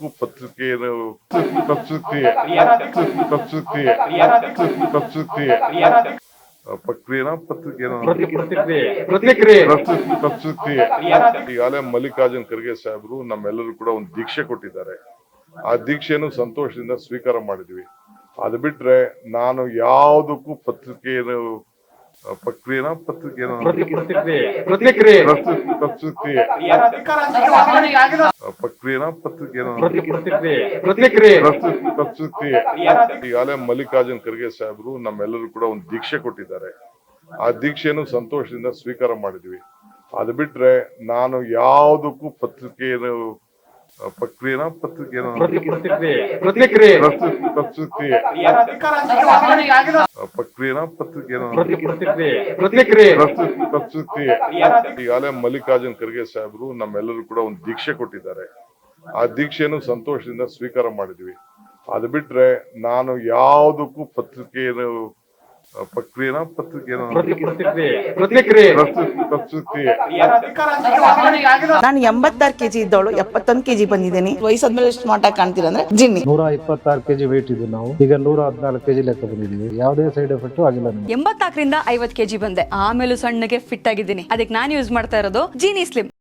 ಯಾವುದಕ್ಕೂ ಪತ್ರಿಕೆಯ ಪ್ರಕ್ರಿಯೆನ ಈಗಾಗಲೇ ಮಲ್ಲಿಕಾರ್ಜುನ್ ಖರ್ಗೆ ಸಾಹೇಬರು ನಮ್ಮೆಲ್ಲರೂ ಕೂಡ ಒಂದು ದೀಕ್ಷೆ ಕೊಟ್ಟಿದ್ದಾರೆ. ಆ ದೀಕ್ಷೆಯನ್ನು ಸಂತೋಷದಿಂದ ಸ್ವೀಕಾರ ಮಾಡಿದ್ವಿ. ಅದು ಬಿಟ್ರೆ ನಾನು ಯಾವುದಕ್ಕೂ ಪ್ರಕ್ರಿಯೆನ ಈಗಾಗಲೇ ಮಲ್ಲಿಕಾರ್ಜುನ್ ಖರ್ಗೆ ಸಾಹೇಬರು ನಮ್ಮೆಲ್ಲರೂ ಕೂಡ ಒಂದು ದೀಕ್ಷೆ ಕೊಟ್ಟಿದ್ದಾರೆ. ಆ ದೀಕ್ಷೆಯನ್ನು ಸಂತೋಷದಿಂದ ಸ್ವೀಕಾರ ಮಾಡಿದ್ವಿ. ಅದು ಬಿಟ್ರೆ ನಾನು ಯಾವುದಕ್ಕೂ ಪ್ರಕ್ರಿಯೆನ ಈಗಾಗಲೇ ಮಲ್ಲಿಕಾರ್ಜುನ್ ಖರ್ಗೆ ಸಾಹೇಬರು ನಮ್ಮೆಲ್ಲರೂ ಕೂಡ ಒಂದು ದೀಕ್ಷೆ ಕೊಟ್ಟಿದ್ದಾರೆ. ಆ ದೀಕ್ಷೆಯನ್ನು ಸಂತೋಷದಿಂದ ಸ್ವೀಕಾರ ಮಾಡಿದ್ವಿ. ಅದು ಬಿಟ್ರೆ ನಾನು ಯಾವುದಕ್ಕೂ ಪ್ರಕ್ರಿಯೆನ ನಾನು 86 kg ಇದ್ದವಳು 71 kg ಬಂದಿದ್ದೀನಿ. ವಯಸ್ಸಾದ್ಮೇಲೆ ಸ್ಮಾರ್ಟ್ ಆಗಿ ಕಾಣ್ತೀರಾ ಅಂದ್ರೆ ಜಿನ್ನಿ. 126 kg ವೇಟ್ ಇದ್ದು ನಾವು ಈಗ 114 kg ಲೆಕ್ಕ ಬಂದಿದ್ದೀವಿ. ಯಾವುದೇ ಸೈಡ್ ಎಫೆಕ್ಟ್ ಆಗಿಲ್ಲ. 84 ರಿಂದ 50 kg ಬಂದೆ. ಆಮೇಲೆ ಸಣ್ಣಗೆ ಫಿಟ್ ಆಗಿದ್ದೀನಿ. ಅದಕ್ಕೆ ನಾನು ಯೂಸ್ ಮಾಡ್ತಾ ಇರೋದು ಜೀನಿ ಸ್ಲಿಮ್.